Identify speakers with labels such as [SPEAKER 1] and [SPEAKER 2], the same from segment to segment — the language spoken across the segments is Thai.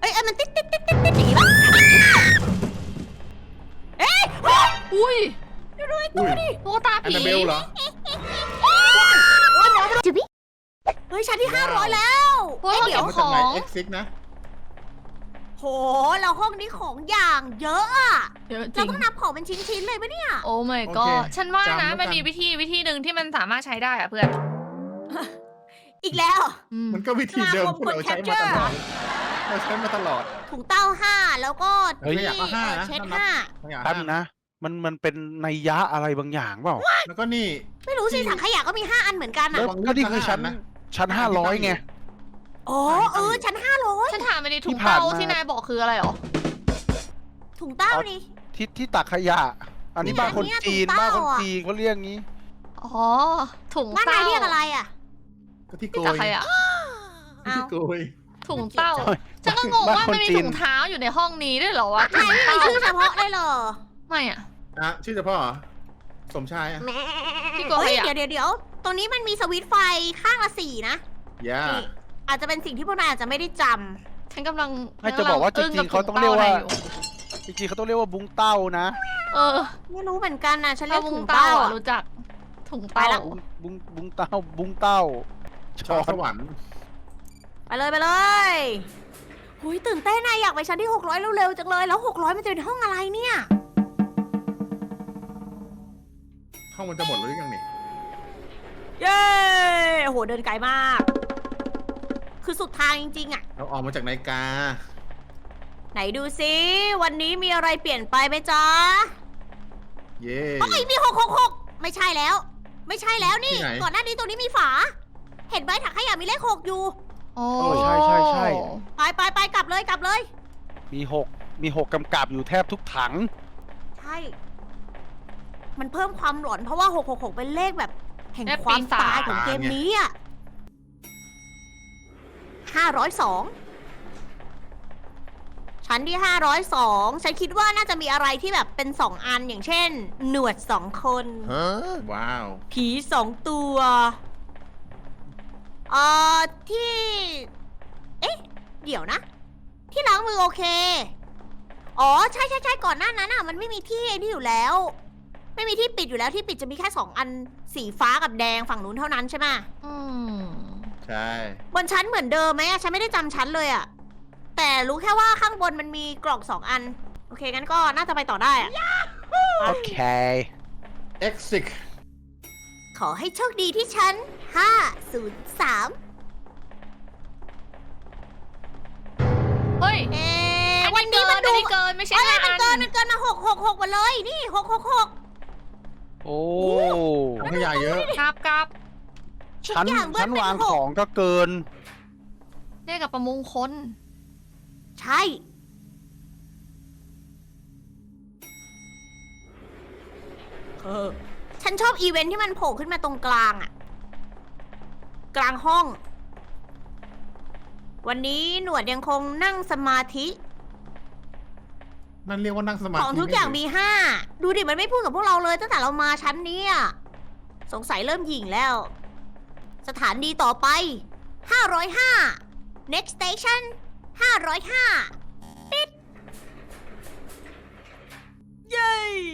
[SPEAKER 1] อ้ยมันติ๊ดติ๊ดติ๊ดติ๊ดติ๊ดอย่างงี้ปะเอ้ย
[SPEAKER 2] อุ้ย
[SPEAKER 1] ดูไอ้ตัวดิ
[SPEAKER 2] ตุ๊กตา
[SPEAKER 3] แอน
[SPEAKER 2] ผี
[SPEAKER 3] นาเบลเหรอ
[SPEAKER 1] จุ๊บเฮ้ยชั้นที่500แล้ว
[SPEAKER 2] พวกเรา
[SPEAKER 1] เดี๋
[SPEAKER 2] เก็
[SPEAKER 1] ยว
[SPEAKER 2] บ
[SPEAKER 3] มา
[SPEAKER 2] ข
[SPEAKER 3] จาก
[SPEAKER 2] อ
[SPEAKER 3] ไหน
[SPEAKER 2] ง
[SPEAKER 3] X6 นะ
[SPEAKER 1] โหแล้วห้องนี้ของอย่างเยอะอะ
[SPEAKER 2] เยอะจ
[SPEAKER 1] เรา
[SPEAKER 2] ริง
[SPEAKER 1] ต้องนับของเป็นชิ้นๆเลยปะเนี่ย
[SPEAKER 2] โอ้ my
[SPEAKER 3] โอ
[SPEAKER 2] god
[SPEAKER 3] เค
[SPEAKER 2] ฉันว่า
[SPEAKER 3] จำแล้
[SPEAKER 2] นะ
[SPEAKER 3] วกัน
[SPEAKER 2] มันมีวิธีหนึ่งที่มันสามารถใช้ได้อะเพื่อน
[SPEAKER 1] อีกแล้ว
[SPEAKER 2] อืม
[SPEAKER 3] มันก็วิธีเดิม
[SPEAKER 1] สมาคม
[SPEAKER 3] ที่เราใช้
[SPEAKER 1] คน
[SPEAKER 3] มาตลอ
[SPEAKER 1] capture
[SPEAKER 3] ดเราใช้มาตลอด
[SPEAKER 1] ถุงเต้า5แล้วก็
[SPEAKER 4] เฮ้ย
[SPEAKER 1] ที่
[SPEAKER 3] ขยะก็ห้านะ
[SPEAKER 1] เช็ด
[SPEAKER 3] นับ
[SPEAKER 1] 5
[SPEAKER 3] ขยะ
[SPEAKER 4] แป๊บนึงนะ มันเป็นนัยยะอะไรบางอย่างเปล่า
[SPEAKER 3] แล้วก็นี่
[SPEAKER 1] ไม่รู้สิถังขยะก็มี5 อันเหมือนกัน
[SPEAKER 4] แล้
[SPEAKER 1] อะ
[SPEAKER 4] ว
[SPEAKER 3] ระวัง
[SPEAKER 4] ก็นี่คือ
[SPEAKER 3] ลูก
[SPEAKER 4] ชั้น
[SPEAKER 3] ทหารนะ
[SPEAKER 4] ชั้น500ไง
[SPEAKER 1] อ๋อชั้น500
[SPEAKER 2] ฉันถามไปดิถุ
[SPEAKER 4] ที่
[SPEAKER 2] ง
[SPEAKER 4] ผ่าน
[SPEAKER 2] เตา
[SPEAKER 4] มา
[SPEAKER 2] ที่นายบอกคืออะไรหรอ
[SPEAKER 1] ถุงเต้า
[SPEAKER 4] อ๋อ
[SPEAKER 1] นี่
[SPEAKER 4] ที่ตักขยะ อันนี้
[SPEAKER 1] เนี่ย
[SPEAKER 4] บ้านคน
[SPEAKER 1] เนี่ย
[SPEAKER 4] จีน
[SPEAKER 1] ถุงเต้า
[SPEAKER 4] บ้านคน
[SPEAKER 1] อะ
[SPEAKER 4] จีนเขาเรียกงี้
[SPEAKER 2] อ๋อ ถุง
[SPEAKER 1] บ้านนาย
[SPEAKER 2] เต้า
[SPEAKER 1] เรียกอะไรอะ
[SPEAKER 3] ก็ที่โก
[SPEAKER 2] ที่
[SPEAKER 3] ย
[SPEAKER 2] ตักขยะ
[SPEAKER 1] เอา
[SPEAKER 3] ที่โกย
[SPEAKER 2] ถุงเต้า
[SPEAKER 4] เฮ้ย
[SPEAKER 2] ฉันก็งง
[SPEAKER 4] บ้าน
[SPEAKER 2] ว่า
[SPEAKER 4] คน
[SPEAKER 2] มันมี
[SPEAKER 4] จีน
[SPEAKER 2] ถุงเท้าอยู่ในห้องนี้ด้วยเหรอวะถุ
[SPEAKER 1] นาย
[SPEAKER 2] ง
[SPEAKER 1] ไม่มี
[SPEAKER 2] เต้า
[SPEAKER 1] ชื่อเฉพาะเลยเหรอ
[SPEAKER 2] ไม่อะ
[SPEAKER 3] อ่ะชื่อเฉพาะเหรอสมชายอ่ะ
[SPEAKER 2] พี่โก
[SPEAKER 1] เฮ้ย
[SPEAKER 2] ขยะ
[SPEAKER 1] เดี๋ยวตรงนี้มันมีสวิตช์ไฟข้างละ4นะ
[SPEAKER 3] ย่า
[SPEAKER 1] นี่อาจจะเป็นสิ่งที่พวกนายอาจจะไม่ได้จ
[SPEAKER 2] ฉันกำลัง
[SPEAKER 4] ไม่จะบอกว่าจริงๆเขาต้องเรียกว่า
[SPEAKER 2] อึ้งบถุง
[SPEAKER 4] จริงๆเขาต้องเรียกว่าบุ้งเต้านะ
[SPEAKER 2] เออ
[SPEAKER 1] ำไม่รู้เหมือนกันนะฉันเรี
[SPEAKER 2] ถ้าย
[SPEAKER 1] ก
[SPEAKER 2] บุ้
[SPEAKER 1] ถุ
[SPEAKER 2] ง
[SPEAKER 1] ง
[SPEAKER 2] เต้า
[SPEAKER 1] เต้า
[SPEAKER 2] อะ
[SPEAKER 1] อะ
[SPEAKER 2] รู้จักถุง
[SPEAKER 1] ไป
[SPEAKER 2] เต้า
[SPEAKER 1] ละ
[SPEAKER 4] บุ้งเต้าบุ้งเต้า
[SPEAKER 3] ชอบสวรรค์
[SPEAKER 1] ไปเลยหุยตื่นเต้นนะอยากไปชั้นที่600เร็วๆจังเลยแล้ว600มันจะเป็นห้องอะไรเนี่ย
[SPEAKER 3] ห้องมันจะหมดหรือยังนี่
[SPEAKER 1] เย้โอ้โหเดินไกลมาก คือสุดทางจริงๆอะ
[SPEAKER 3] เราออกมาจากนาฬิกา
[SPEAKER 1] ไหนดูซิวันนี้มีอะไรเปลี่ยนไปไหมจ๊ะ
[SPEAKER 3] เย่
[SPEAKER 1] เอ้ยมี666ไม่ใช่แล้ว ไม่ใช่แล้วนี่
[SPEAKER 3] ที่ไหน
[SPEAKER 1] ก่อนหน้านี้ตรงนี้มีฝา เห็นไหมถังขยะมีเลข6อยู่
[SPEAKER 2] โอ้
[SPEAKER 4] เออใช่ใช่ใช่
[SPEAKER 1] ไปกลับเลย
[SPEAKER 4] มีหกกำกับอยู่แทบทุกถัง
[SPEAKER 1] ใช่ มันเพิ่มความหลอนเพราะว่า666เป็นเลขแบบแห่ง
[SPEAKER 2] เลข
[SPEAKER 1] ความ
[SPEAKER 2] ปีศาจ
[SPEAKER 1] ตายของเกมนี้อ่ะ502ชั้นที่502ฉันคิดว่าน่าจะมีอะไรที่แบบเป็น2อันอย่างเช่น หนวด2 คน
[SPEAKER 3] ว้าว
[SPEAKER 1] ผี2 ตัวที่ เอ๊ะ เดี๋ยวนะ ที่ล้างมือโอเค อ๋อ ใช่ก่อนหน้านั้นอ่ะ มันไม่มีที่ไอ้นี่อยู่แล้ว ไม่มีที่ปิดอยู่แล้วที่ปิดจะมีแค่2 อันสีฟ้ากับแดงฝั่งนู้นเท่านั้นใช่ไหม
[SPEAKER 2] อืม
[SPEAKER 3] ใช่
[SPEAKER 1] บนชั้นเหมือนเดิมไหมอะฉันไม่ได้จำชั้นเลยอะแต่รู้แค่ว่าข้างบนมันมีกล่อง2 อัน โอเคงั้นก็น่าจะไปต่อได้อะ
[SPEAKER 4] โอเค
[SPEAKER 3] X6
[SPEAKER 1] ขอให้โชคดีที่ชั้น503
[SPEAKER 2] เฮ้ย
[SPEAKER 1] เอ๊
[SPEAKER 2] อัน
[SPEAKER 1] วัน
[SPEAKER 2] นี้
[SPEAKER 1] นี้
[SPEAKER 2] เกิ
[SPEAKER 1] มัน น
[SPEAKER 2] อั
[SPEAKER 1] ดู
[SPEAKER 2] นนี้เกินไม่ใช่
[SPEAKER 1] เอ้ย
[SPEAKER 2] ห้า
[SPEAKER 1] มัน
[SPEAKER 2] อัน
[SPEAKER 1] เกินมา666หมดเลยนี่666
[SPEAKER 4] โอ้
[SPEAKER 3] ถังขยะเยอะ
[SPEAKER 2] กราบ
[SPEAKER 4] ชั้น
[SPEAKER 1] ทุกอย่างเบิ้ล
[SPEAKER 4] ชั้น
[SPEAKER 1] เป็น
[SPEAKER 4] วาง
[SPEAKER 1] หก
[SPEAKER 4] ของก็เกิน
[SPEAKER 2] เลขกับประมงคล
[SPEAKER 1] ใช่ฉันชอบอีเวนท์ที่มันโผล่ขึ้นมาตรงกลางอะกลางห้อง วันนี้หนวดยังคงนั่งสมาธิ
[SPEAKER 3] นั่นเรียกว่านั่งสมาธิ
[SPEAKER 1] ของทุกอย่างมี5ดูดิมันไม่พูดกับพวกเราเลยตั้งแต่เรามาชั้นนี้อะสงสัยเริ่มหยิ่งแล้ว สถานีต่อไป505 next station 505ปิดเย้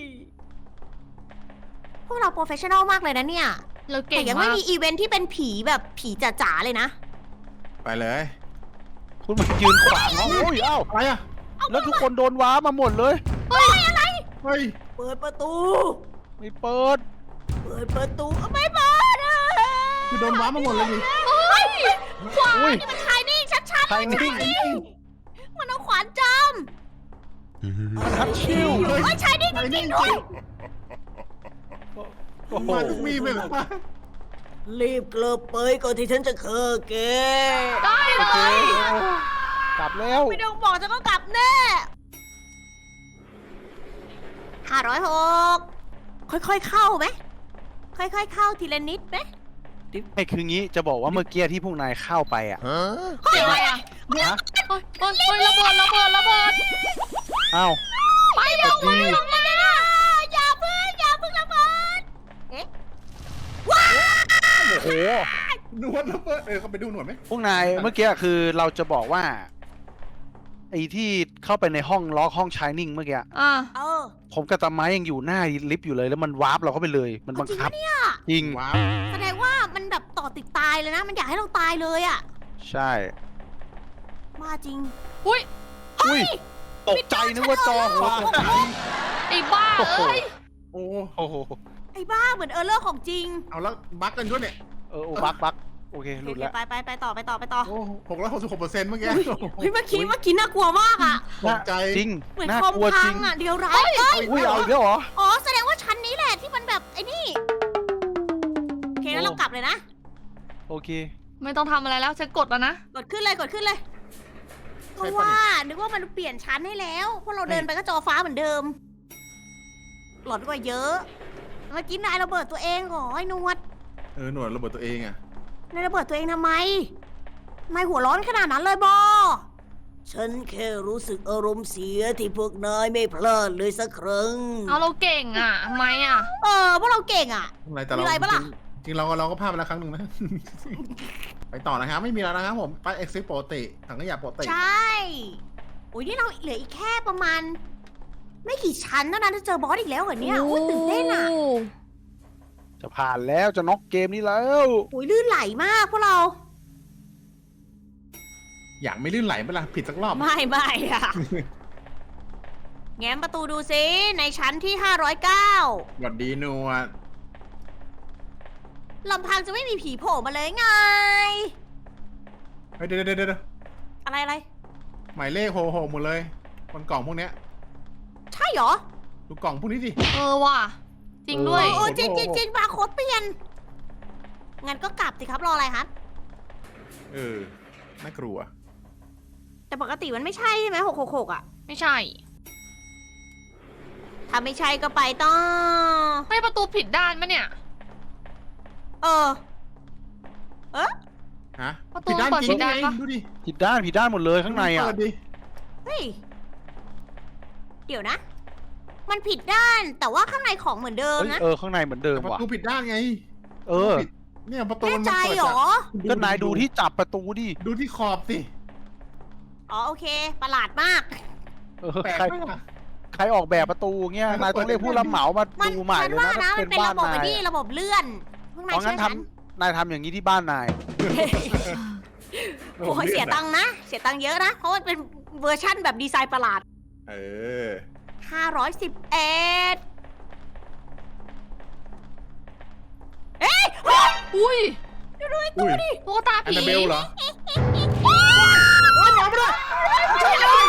[SPEAKER 1] พวกเราโปรเฟชชั่นอลมากเลยนะเนี่ย
[SPEAKER 2] เรา
[SPEAKER 1] แต่
[SPEAKER 2] เก่ง
[SPEAKER 1] ยัง
[SPEAKER 2] มา
[SPEAKER 1] ไม่
[SPEAKER 2] ก
[SPEAKER 1] มีอีเวนท์ที่เป็นผีแบบผีจ๋าๆเลยนะ
[SPEAKER 3] ไปเลย
[SPEAKER 4] คุณมายืนขวางเขาโอ้ยเอ้า
[SPEAKER 3] อะไรอ่ะ
[SPEAKER 4] แล้วทุกคนโดนว้ามาหมดเลย
[SPEAKER 3] เฮ้ย
[SPEAKER 1] เปิดประตู
[SPEAKER 4] ไม่เปิด
[SPEAKER 1] เปิดประตูไม่เปิดอะ
[SPEAKER 3] คือโดนว้ามาหมดเลยดิ
[SPEAKER 1] เฮ้ยขวา
[SPEAKER 4] อุ้ย
[SPEAKER 1] นี่มันชายนิ่งชัดๆ
[SPEAKER 4] ชายนิ่ง
[SPEAKER 1] มันเอาขวานจาม
[SPEAKER 4] ทัดชิว
[SPEAKER 3] เฮ้ย
[SPEAKER 1] เฮ้ยชายนิ่งจริงๆด้วย
[SPEAKER 4] โอ้โห
[SPEAKER 3] มาทุกมีเลยเหรอวะ
[SPEAKER 1] รีบเกลือไปก่อนที่ฉันจะเคอแก
[SPEAKER 2] ได้เลย
[SPEAKER 4] กลับแล้ว
[SPEAKER 1] ไม่ต้องบอกจะก็กลับแน่506ค่อยๆเข้าไหมค่อยๆเข้าทีละนิดไหม
[SPEAKER 4] ไอ้คืองี้จะบอกว่าเมื่อกี้ที่พวกนายเข้าไปอ่ะ
[SPEAKER 2] เสียงอะไรอ่ะ
[SPEAKER 4] ฮะ
[SPEAKER 2] เฮ้ยระเบิด
[SPEAKER 4] เอ้า
[SPEAKER 2] ไปเร็ว
[SPEAKER 4] ดี
[SPEAKER 1] อย่าเพิ่งระเบิด
[SPEAKER 4] โอ้โห
[SPEAKER 3] นวดแล้วเปิดเขาไปดูหนวดไหม
[SPEAKER 4] พวกนายเมื่อกี้คือเราจะบอกว่าไอ้ที่เข้าไปในห้องล็อกห้องชายนิ่งเมื่อกี้
[SPEAKER 2] อ่า
[SPEAKER 1] เออ
[SPEAKER 4] ผมกับตาไม้ยังอยู่หน้าลิฟต์อยู่เลยแล้วมันวาร์ปเราเข้าไปเลย มันบังคับ
[SPEAKER 1] จริงปะเนี่ย
[SPEAKER 4] จริง
[SPEAKER 3] ว้าว
[SPEAKER 1] แสดงว่ามันแบบต่อติดตายเลยนะ มันอยากให้เราตายเลยอ่ะ
[SPEAKER 4] ใช่
[SPEAKER 1] มาจริง
[SPEAKER 2] อุ้ย
[SPEAKER 4] อุ้ยตกใจนึกว่าจอฟ้า
[SPEAKER 2] ไอ้บ้าเอ้ย
[SPEAKER 3] โอ้
[SPEAKER 4] โอ้โห
[SPEAKER 1] ไอ้บ้าเหมือนเออร์เลอร์ของจริง
[SPEAKER 3] เอาแล้วบั๊กกันด้วยเนี่ย
[SPEAKER 4] บักโอเคหลุดแล้ว
[SPEAKER 1] ไปต่อ
[SPEAKER 3] โอ้666%เมื่อกี้
[SPEAKER 1] เฮ้ยเมื่อกี้น่ากลัวมากอ่ะ
[SPEAKER 3] ตกใจ
[SPEAKER 4] จริง
[SPEAKER 1] เหมือน
[SPEAKER 4] น่า
[SPEAKER 1] คอม
[SPEAKER 4] กลัว
[SPEAKER 1] พั
[SPEAKER 4] จริ
[SPEAKER 1] ง
[SPEAKER 4] ง
[SPEAKER 1] อ่ะเดี๋ยวร้ายเอ้ย
[SPEAKER 4] อุ้ยเอาอีกแล้วเหรอ
[SPEAKER 1] อ๋อแสดงว่าชั้นนี้แหละที่มันแบบไอ้นี่โอเคงั้นเรากลับเลยนะ
[SPEAKER 4] โอเค
[SPEAKER 2] ไม่ต้องทำอะไรแล้วฉันกดแล้วนะ
[SPEAKER 1] กดขึ้นเลยเพราะว่านึกว่ามันเปลี่ยนชั้นให้แล้วพวกเราเดินไปก็จอฟ้าเหมือนเดิม หลอนกว่าเยอะเมื่อกี้นายระเบิดตัวเองเหรอไอ้หนวด
[SPEAKER 3] หน่วยระเบิดตัวเองอ่ะ
[SPEAKER 1] นายระเบิดตัวเองทำไมนายหัวร้อนขนาดนั้นเลยบอฉันแค่รู้สึกอารมณ์เสียที่พวกนายไม่พลาดเลยสักครั้ง
[SPEAKER 2] เอาเราเก่งอ่ะทำไมอ่ะ
[SPEAKER 1] พวกเราเก่งอ่ะ
[SPEAKER 3] อะไรแต่เรา
[SPEAKER 1] มีอะไรปะล่ะ
[SPEAKER 3] จริงๆเราก็พลาดไปแล้วครั้งหนึ่งนะ ไปต่อนะครับไม่มีแล้วนะครับผมไปเอ็กซิสปกติถังขยะปกติ
[SPEAKER 1] ใช่โอ้ยนี่เราเหลืออีกแค่ประมาณ ไม่กี่ชั้นเท่านั้นจะเจอบอสอีกแล้วเหรอเนี่ยโอ้ยตื่นเต้นอ่ะ
[SPEAKER 4] จะผ่านแล้วจะน็อกเกมนี้แล้ว
[SPEAKER 1] โอ้ยลื่นไหลมากพวกเรา
[SPEAKER 3] อยากไม่ลื่นไหลเวลาผิดสักรอบ
[SPEAKER 1] ไม่อ่ะ แง้มประตูดูซิในชั้นที่509
[SPEAKER 3] หวัดดีหนวด
[SPEAKER 1] ลำพังจะไม่มีผีโผล่มาเลยไง
[SPEAKER 3] เฮ้ยเดี๋ยว
[SPEAKER 1] อะไร
[SPEAKER 3] หมายเลขโหหมดเลยบนกล่องพวกเนี้ย
[SPEAKER 1] ใช่เหรอ
[SPEAKER 3] ดูกล่องพวกนี้ดิ
[SPEAKER 2] เออว่ะ จริงด้วย
[SPEAKER 1] โอ้จริงบาร์โค้ดเปลี่ยน งั้นก็กลับสิครับรออะไรครับ
[SPEAKER 3] น่ากลัว
[SPEAKER 1] แต่ปกติมันไม่ใช่ใช่ไหม666อ่ะ
[SPEAKER 2] ไม่ใช่
[SPEAKER 1] ถ้าไม่ใช่ก็ไปต่อ
[SPEAKER 2] ไม่ประตูผิดด้านปะเนี่ย
[SPEAKER 1] เออ
[SPEAKER 3] ฮะ
[SPEAKER 2] ประตู
[SPEAKER 3] ผิดด้าน
[SPEAKER 2] เปิด
[SPEAKER 3] จริ
[SPEAKER 2] ผิ
[SPEAKER 3] ง
[SPEAKER 2] ดด้าน
[SPEAKER 3] ไง
[SPEAKER 2] ปะ
[SPEAKER 3] ดูดิ
[SPEAKER 4] ผิดด้านหมดเลยข้างในอ่ะ
[SPEAKER 3] เปิดดิ
[SPEAKER 1] เฮ้ย เดี๋ยวนะ มันผิดด้านแต่ว่าข้างในของเหมือนเดิม
[SPEAKER 4] เฮ้ย
[SPEAKER 1] นะ
[SPEAKER 4] ข้างในเหมือนเดิม
[SPEAKER 3] ประ
[SPEAKER 4] ว่ะ
[SPEAKER 3] ตูผิดด้านไง
[SPEAKER 4] เออ
[SPEAKER 3] ผิดเนี่ยประตู
[SPEAKER 1] แน่
[SPEAKER 3] มัน
[SPEAKER 1] ใจ
[SPEAKER 3] เปิด
[SPEAKER 1] เหรอ
[SPEAKER 4] ก็นายดูที่จับประตูดิ
[SPEAKER 3] ดูที่ขอบสิ
[SPEAKER 1] อ๋อโอเค ประหลาดมาก
[SPEAKER 3] แปลก
[SPEAKER 4] ใคร
[SPEAKER 3] มาก
[SPEAKER 4] ใครออกแบบประตูเงี้ยนายต้องเรียกผู้รับเหมามา
[SPEAKER 1] มัน
[SPEAKER 4] ดูใหม่
[SPEAKER 1] ฉัน
[SPEAKER 4] เลย
[SPEAKER 1] ว่า
[SPEAKER 4] นะ
[SPEAKER 1] นะ
[SPEAKER 4] ถ้า
[SPEAKER 1] มั
[SPEAKER 4] เป็น น
[SPEAKER 1] เป็น
[SPEAKER 4] บ้า
[SPEAKER 1] ระ
[SPEAKER 4] น
[SPEAKER 1] บบ
[SPEAKER 4] นา
[SPEAKER 1] ไอ้
[SPEAKER 4] ย
[SPEAKER 1] นี่ระบบเลื่อนข้างใน
[SPEAKER 4] เพราะงั้
[SPEAKER 1] ใช่
[SPEAKER 4] น
[SPEAKER 1] ฉัน
[SPEAKER 4] นายทำอย่างนี้ที่บ้านนาย
[SPEAKER 1] โอ้ยเสียตังค์นะ เสียตังค์เยอะนะ เพราะมันเป็นเวอร์ชั่นแบบดีไซน์ประหลาด
[SPEAKER 3] เออ
[SPEAKER 1] 511เอ้ยเฮ้ย
[SPEAKER 2] อุ้ย
[SPEAKER 3] อุ้ย
[SPEAKER 2] ตุ๊กตา
[SPEAKER 3] อัน
[SPEAKER 2] ผี
[SPEAKER 3] นาเบลเหรอ
[SPEAKER 1] ช่วยเลย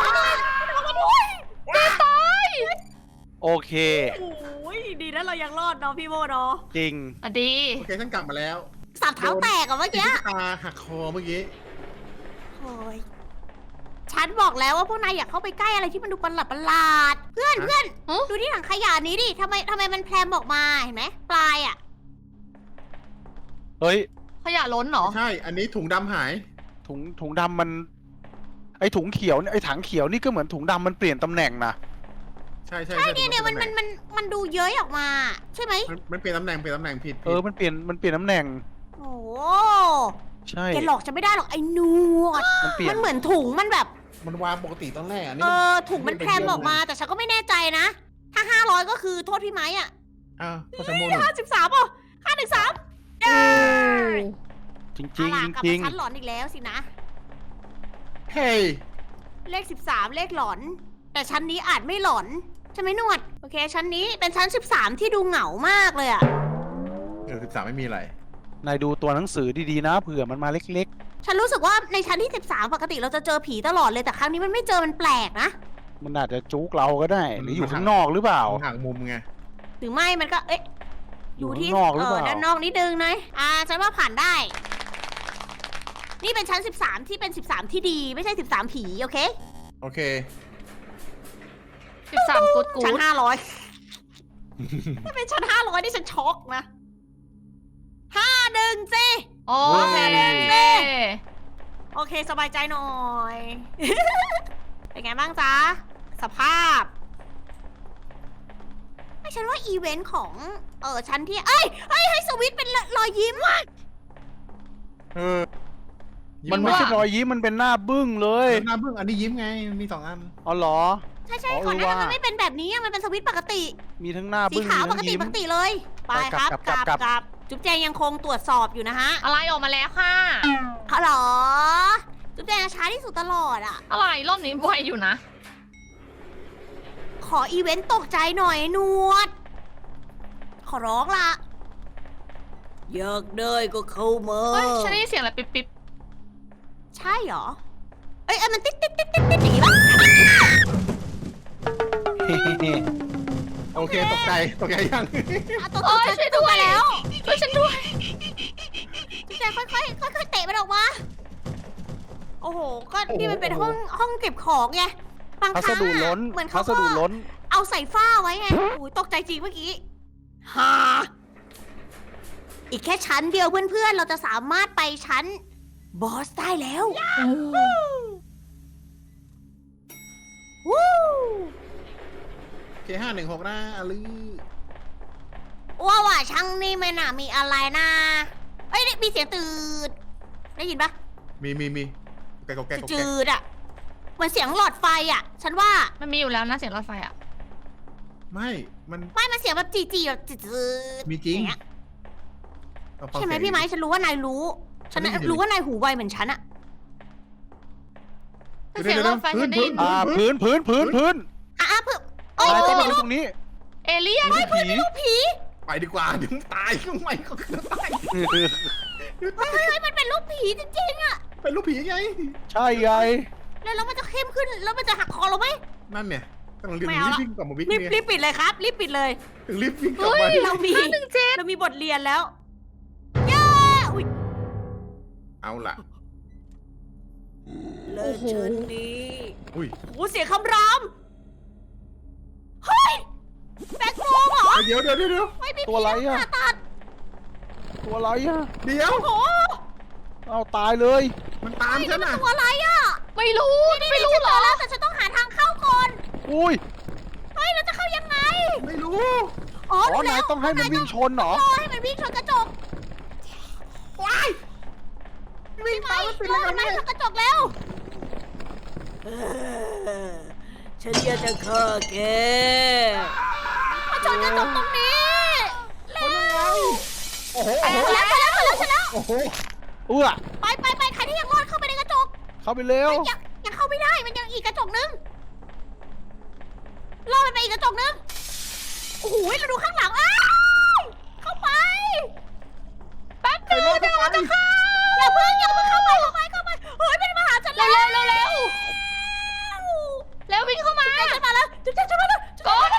[SPEAKER 4] โอเค
[SPEAKER 1] โอ้ยดีนะเรายังรอดเนาะพี่โมเนาะ
[SPEAKER 4] จริง
[SPEAKER 2] อ่ะดี
[SPEAKER 3] โอเคฉันกลับมาแล้ว
[SPEAKER 1] สับเท้าแตกอะเมื่อกี้
[SPEAKER 3] ตาหักคอเมื่อกี้
[SPEAKER 1] โอ้ยฉันบอกแล้วว่าพวกนายอยากเข้าไปใกล้อะไรที่มันดูประหลาดเพื่อน
[SPEAKER 3] ฮะ
[SPEAKER 1] เพื่อน
[SPEAKER 2] ฮะ
[SPEAKER 1] ดูที่ถังขยะนี้ดิทำไมมันแพรมออกมาเห็นไหมปลายอะ
[SPEAKER 4] เฮ้ย
[SPEAKER 2] ขยะล้นเหรอ
[SPEAKER 3] ใช่ อันนี้ถุงดำหาย
[SPEAKER 4] ถุงดำมัน ไอถุงเขียวเนี่ยไอถังเขียวนี่ก็เหมือนถุงดำมันเปลี่ยนตำแหน่งนะ
[SPEAKER 3] ใช่
[SPEAKER 1] เนี่ยมันดูเย้ยออกมา ใช่ไหม
[SPEAKER 3] มันเปลี่ยนตำแหน่งผิด
[SPEAKER 4] มันเปลี่ยนตำแหน่ง
[SPEAKER 1] โอ้
[SPEAKER 4] ใช่
[SPEAKER 1] แกหลอกฉันไม่ได้หรอกไอ้หนวด
[SPEAKER 4] มันเปลี่ย
[SPEAKER 1] มัน นเหมือนถุงมันแบบ
[SPEAKER 3] มันวางปกติตอนแรกอันนี้
[SPEAKER 1] ถุงมันแพรมออกมาแต่ฉันก็ไม่แน่ใจนะ ถ้า500ก็คือโทษพี่ไม้อะ
[SPEAKER 3] ก็จะโมหนึ่ง
[SPEAKER 1] 53ป่ะ513เย้
[SPEAKER 4] จริง
[SPEAKER 1] เอาล่ะกลับ
[SPEAKER 4] จริ
[SPEAKER 1] มาง ชั้นหลอนอีกแล้วสินะ
[SPEAKER 3] เฮ้ย
[SPEAKER 1] เลข13เลขหลอน แต่ชั้นนี้อาจไม่หลอนใช่ไหมหนวด โอเค ชั้นนี้เป็นชั้น13ที่ดูเหงามากเลยอะ
[SPEAKER 3] 13ไม่มีอะไร
[SPEAKER 4] นายดูตัวหนังสือดีๆนะเผื่อมันมาเล็ก
[SPEAKER 1] ฉันรู้สึกว่าในชั้นที่13ปกติเราจะเจอผีตลอดเลยแต่ครั้งนี้มันไม่เจอมันแปลกนะ
[SPEAKER 4] ๆ มันอาจจะจุกเราก็ได้ หรืออยู่ข้างนอกหรือเปล่า
[SPEAKER 3] ห่างมุมไง
[SPEAKER 1] หรือไม่มันก็เอ๊ะ
[SPEAKER 4] อยู่ข้างนอกหรือเปล่า
[SPEAKER 1] ด้านนอกนิดนึงนะฉันว่าผ่านได้ นี่เป็นชั้น13ที่เป็น13ที่ดีไม่ใช่13ผีโอเค
[SPEAKER 3] โอเค
[SPEAKER 2] 13กูดกู
[SPEAKER 1] ชั้น
[SPEAKER 2] ด
[SPEAKER 1] 500 ถ้าเป็นชั้น500นี่ฉันช็อกนะ51สิ
[SPEAKER 2] โอเค
[SPEAKER 1] โอเคสบายใจหน่อย เป็นไงบ้างจ๊ะ สภาพ ไม่ฉันว่าอีเวนต์ของชั้นที่ให้สวิตช์เป็นรอยยิ้ม
[SPEAKER 3] เออ
[SPEAKER 4] มันไม่ใช่รอยยิ้มมันเป็นหน้าบึ้งเลย
[SPEAKER 3] หน้าบึ้งอันนี้ยิ้มไงมันมี2 อัน
[SPEAKER 4] อ๋อเหรอ
[SPEAKER 1] ใช่ใช่
[SPEAKER 4] อ๋อ
[SPEAKER 1] ก่อนหน้านั้น
[SPEAKER 4] ว่ามั
[SPEAKER 1] มันไม่เป็นแบบนี้อะมันเป็นสวิตช์ปกติ
[SPEAKER 4] มีทั้งหน้า
[SPEAKER 1] สี
[SPEAKER 4] บึ้ง
[SPEAKER 1] ขาว
[SPEAKER 4] มี
[SPEAKER 1] ป
[SPEAKER 4] ทั้
[SPEAKER 1] ก
[SPEAKER 4] ง
[SPEAKER 1] ติ
[SPEAKER 4] ยิ้ม
[SPEAKER 1] ปกติเลย ไปครับ
[SPEAKER 4] กลับ
[SPEAKER 1] กลับจุ๊บแจงยังคงตรวจสอบอยู่นะฮะ
[SPEAKER 2] อะไรออกมาแล้วค่ะ
[SPEAKER 1] อ๋อเหรอ จุ๊บแจงช้าที่สุดตลอดอ่ะ
[SPEAKER 2] อะไรรอบนี้ไวอยู่นะ
[SPEAKER 1] ขออีเวนต์ตกใจหน่อยหนวด ขอร้องละอยากได้ก็เข้ามา
[SPEAKER 2] เฮ้ย ฉันได้ยินเสียงอะไรปิ๊บปิ๊บ
[SPEAKER 1] ใช่เหรอ เอ้ยมันติ๊ดติ๊ดติ๊ดติ๊ดติ๊ดอย่างงี้ปะ
[SPEAKER 3] โอเคตกใจยัง
[SPEAKER 1] อ่ะตัว
[SPEAKER 2] โอ้ยช่วยด้วย
[SPEAKER 1] แล้ว
[SPEAKER 2] ช่วยฉันด้วย
[SPEAKER 1] จุ๊บแจงค่อยๆเตะมันออกมา โอ้โห ก็นี่มันเป็นห้องเก็บของไง บาง
[SPEAKER 4] พั
[SPEAKER 1] ค
[SPEAKER 4] ส
[SPEAKER 1] รั้ง
[SPEAKER 4] ดุ
[SPEAKER 1] อะ
[SPEAKER 4] ล้น
[SPEAKER 1] เหมือน
[SPEAKER 4] พั
[SPEAKER 1] เขา
[SPEAKER 4] ส
[SPEAKER 1] ก็
[SPEAKER 4] ดุล้น
[SPEAKER 1] เอาใส่ฝ้าไว้ไงโอ้ยตกใจจริงเมื่อกี้ฮ่าอีกแค่ชั้นเดียวเพื่อนๆ เราจะสามารถไปชั้นบอสได้แล้ววู้
[SPEAKER 3] K516นะอลือ
[SPEAKER 1] ว่าช่างนี่ไม่น่ามีอะไรนะเอ้ยนี่มีเสียงตืดได้ยินปะ
[SPEAKER 3] มีแกแก
[SPEAKER 1] จืดๆอะเหมือนเสียงหลอดไฟอะฉันว่า
[SPEAKER 2] มันมีอยู่แล้วนะเสียงรถไฟอ่ะ
[SPEAKER 3] ไม่มัน
[SPEAKER 1] ไม่มันเสียงแบบจีๆแบบจืดๆ
[SPEAKER 3] มีจริง
[SPEAKER 1] อย่างเงี้ย
[SPEAKER 3] เอาฟัง
[SPEAKER 1] ใช่ไหม
[SPEAKER 3] เสียง
[SPEAKER 1] พี่ไม้ฉันรู้ว่านายรู้ ฉัน
[SPEAKER 3] ได้ยินอยู่
[SPEAKER 1] รู้ว่านายหูไวเหมือนฉันอะ
[SPEAKER 2] แต่เสียงรถไฟฉันได้ยิน
[SPEAKER 4] พื้นเพิ่ง
[SPEAKER 1] อ่ะเพิ่มโอ้
[SPEAKER 4] นายต้อง
[SPEAKER 1] ย
[SPEAKER 4] มาดูตรงนี้
[SPEAKER 2] เอเลี่ยน
[SPEAKER 4] มีผี
[SPEAKER 1] ลูกผี
[SPEAKER 3] ไปดีกว่าเดี๋ยวตายก็ไม่ก็คือตาย
[SPEAKER 1] เฮ้ยมันเป็นลูกผีจริงๆอะ
[SPEAKER 3] เป็นลูกผีไง
[SPEAKER 4] ใช่ไง
[SPEAKER 1] แล้วมันจะเข้มขึ้นแล้วมันจะหักคอเราไหม
[SPEAKER 3] นั่นเนี่ยต้องรีบ
[SPEAKER 1] ไม่เอาละ
[SPEAKER 3] วิ่งกลับมาวิ่ง
[SPEAKER 1] รีบ
[SPEAKER 3] เนี่ย
[SPEAKER 1] รีบปิดเลยครับ รีบปิดเลย
[SPEAKER 3] ถึงรีบวิ่งกลับ
[SPEAKER 2] เฮ้
[SPEAKER 3] มาย
[SPEAKER 1] เรามีบทเรียนแล้วเย้อุ๊ย
[SPEAKER 3] เอาล่ะ
[SPEAKER 1] เลิกชั้นนี้
[SPEAKER 3] อุ้ย
[SPEAKER 1] โอ้เสียงคำรามเฮ้ยแบล็คโมเหรอ
[SPEAKER 3] เดี๋ยว
[SPEAKER 1] ไม่มี
[SPEAKER 4] ตัวอะไรอะ
[SPEAKER 1] ผ่าตัด
[SPEAKER 4] ตัวอะไรอ่ะ
[SPEAKER 3] เดี๋ยว
[SPEAKER 1] โอ้โห
[SPEAKER 4] เอาตายเลย
[SPEAKER 3] มันตามฉันอ่ะ
[SPEAKER 1] ตัวอะไรอะ
[SPEAKER 2] ไม่รู้ไม่รู้
[SPEAKER 1] ฉัน
[SPEAKER 2] เหร
[SPEAKER 1] เจ
[SPEAKER 2] อ
[SPEAKER 1] อแล้วแต่ฉันต้องหาทางเข้าก่อน
[SPEAKER 4] อุ้ย
[SPEAKER 1] เฮ้ยเราจะเข้ายังไง
[SPEAKER 3] ไม่รู้
[SPEAKER 1] อ๋อ
[SPEAKER 4] อ๋อ
[SPEAKER 1] รู้
[SPEAKER 4] นา
[SPEAKER 1] แล้
[SPEAKER 4] ยว ต้องให้มันวิ่งชนเหรอ
[SPEAKER 1] รอให้มันวิ่งชนกระจก
[SPEAKER 3] ว้ายวิ่ง
[SPEAKER 1] ไป
[SPEAKER 3] ตามมันติด
[SPEAKER 1] ร
[SPEAKER 3] แล้
[SPEAKER 1] อ
[SPEAKER 3] ว
[SPEAKER 1] มัน
[SPEAKER 3] เนี่ย
[SPEAKER 1] ชนกระจกแล้วฉันอยากจะฆ่าแกมาชนกระจกตรงนี้เร็ว
[SPEAKER 3] โอ้โห
[SPEAKER 1] ไปแล้ว
[SPEAKER 3] โอ้โห
[SPEAKER 4] เอื้อ
[SPEAKER 1] ไปใครที่ยังรอดเข้าไปในกระจก
[SPEAKER 4] เข้าไปเร็ว
[SPEAKER 1] ยังเข้าไม่ได้มันยังอีกกระจกนึงรอมันไปอีกกระจกนึงโอ้โหเราดูข้างหลังอ้าวเข้าไป
[SPEAKER 2] แป๊บนึงเดี๋ยวเราจะเข้า
[SPEAKER 1] อย่าเพิ่งเข้าไปเฮ้ยมันมาหาฉันแล้ว
[SPEAKER 2] เร็ววิ่งเข้ามา
[SPEAKER 1] ฉันมาแล้วฉันมาแล้ว
[SPEAKER 2] ก่อน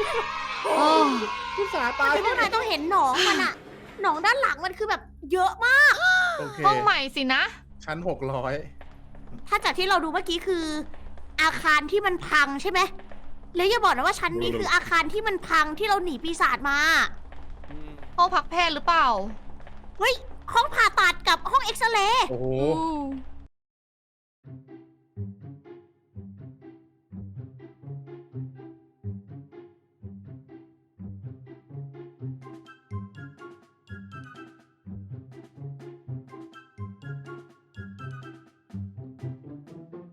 [SPEAKER 3] ผู้สาตาย
[SPEAKER 1] พวกนายต้องเห็นหนองมันอะหนองด้านหลังมันคือแบบเยอะมาก
[SPEAKER 3] โอเค
[SPEAKER 2] ห้องใหม่สินะ
[SPEAKER 3] ชั้น600
[SPEAKER 1] ถ้าจากที่เราดูเมื่อกี้คือ อาคารที่มันพังใช่ไหมแล้วอย่าบอกนะว่าชั้นนี้คืออาคารที่มันพังที่เราหนีปีศาจมา
[SPEAKER 2] ห้องพักแพทย์หรือเปล่า
[SPEAKER 1] เฮ้ยห้องผ่าตัดกับห้องเอ็กซเรย์
[SPEAKER 3] โอ้โห